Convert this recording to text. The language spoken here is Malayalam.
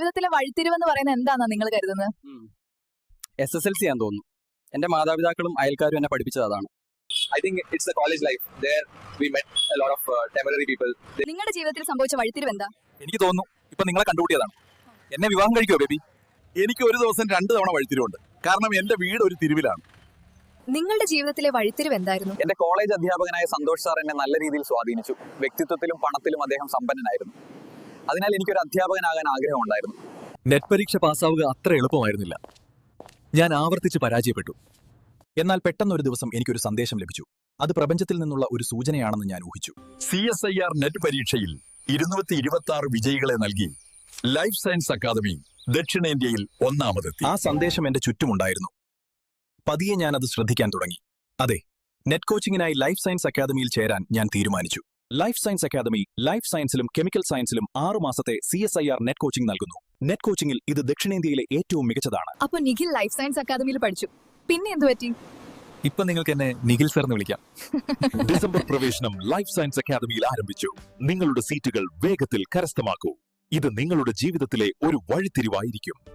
ജീവിതത്തിലെ വഴിത്തിരിവെന്ന് പറയുന്നത് എന്താണെന്നാ നിങ്ങൾ കരുതുന്നത്? SSLC ആണെന്ന് തോന്നുന്നു. എന്റെ മാതാപിതാക്കളും അയൽക്കാരും എന്നെ പഠിപ്പിച്ചത് അതാണ്. I think it's the college life. There we met a lot of temporary people. നിങ്ങളുടെ ജീവിതത്തിൽ സംഭവിച്ച വഴിത്തിരിവ് എന്താ? എനിക്ക് തോന്നുന്നു ഇപ്പൊ നിങ്ങളെ കണ്ടുകൂട്ടിയതാണ്. എന്നെ വിവാഹം കഴിക്കുമോ ബേബി? എനിക്ക് ഒരു ദിവസം 2 തവണ വഴിത്തിരിവുണ്ട്. കാരണം എന്റെ വീട് ഒരു തിരിവിലാണ്. നിങ്ങളുടെ ജീവിതത്തിലെ വഴിത്തിരിവ് എന്തായിരുന്നു? എന്റെ കോളേജ് അധ്യാപകനായ സന്തോഷ് സാർ എന്നെ നല്ല രീതിയിൽ സ്വാധീനിച്ചു. വ്യക്തിത്വത്തിലും പണത്തിലും അദ്ദേഹം സമ്പന്നനായിരുന്നു. അതിനാൽ എനിക്കൊരു അധ്യാപകനാകാൻ ആഗ്രഹമുണ്ടായിരുന്നു. നെറ്റ് പരീക്ഷ പാസ്സാവുക അത്ര എളുപ്പമായിരുന്നില്ല. ഞാൻ ആവർത്തിച്ച് പരാജയപ്പെട്ടു. എന്നാൽ പെട്ടെന്നൊരു ദിവസം എനിക്കൊരു സന്ദേശം ലഭിച്ചു. അത് പ്രപഞ്ചത്തിൽ നിന്നുള്ള ഒരു സൂചനയാണെന്ന് ഞാൻ ഊഹിച്ചു. CSIR നെറ്റ് പരീക്ഷയിൽ 226 വിജയികളെ നൽകി ലൈഫ് സയൻസ് അക്കാദമി ദക്ഷിണേന്ത്യയിൽ ഒന്നാമതെത്തി. ആ സന്ദേശം എന്റെ ചുറ്റുമുണ്ടായിരുന്നു. പതിയെ ഞാൻ അത് ശ്രദ്ധിക്കാൻ തുടങ്ങി. അതെ, നെറ്റ് കോച്ചിങ്ങിനായി ലൈഫ് സയൻസ് അക്കാദമിയിൽ ചേരാൻ ഞാൻ തീരുമാനിച്ചു. ലൈഫ് സയൻസ് അക്കാദമി ലൈഫ് സയൻസിലും കെമിക്കൽ സയൻസിലും 6 മാസത്തെ CSIR നെറ്റ് കോച്ചിങ് നൽകുന്നു. നെറ്റ് കോച്ചിങ്ങിൽ ഇത് ദക്ഷിണേന്ത്യയിലെ ഏറ്റവും മികച്ചതാണ്. അപ്പൊ നിഖിൽ ലൈഫ് സയൻസ് അക്കാദമിയിൽ പഠിച്ചു. പിന്നെ എന്തു പറ്റി? ഇപ്പൊ നിങ്ങൾക്ക് എന്നെ നിഖിൽ സർ എന്ന് വിളിക്കാം. ഡിസംബർ പ്രവേശനം ലൈഫ് സയൻസ് അക്കാദമിയിൽ ആരംഭിച്ചു. നിങ്ങളുടെ സീറ്റുകൾ വേഗത്തിൽ കരസ്ഥമാക്കൂ. ഇത് നിങ്ങളുടെ ജീവിതത്തിലെ ഒരു വഴിത്തിരിവായിരിക്കും.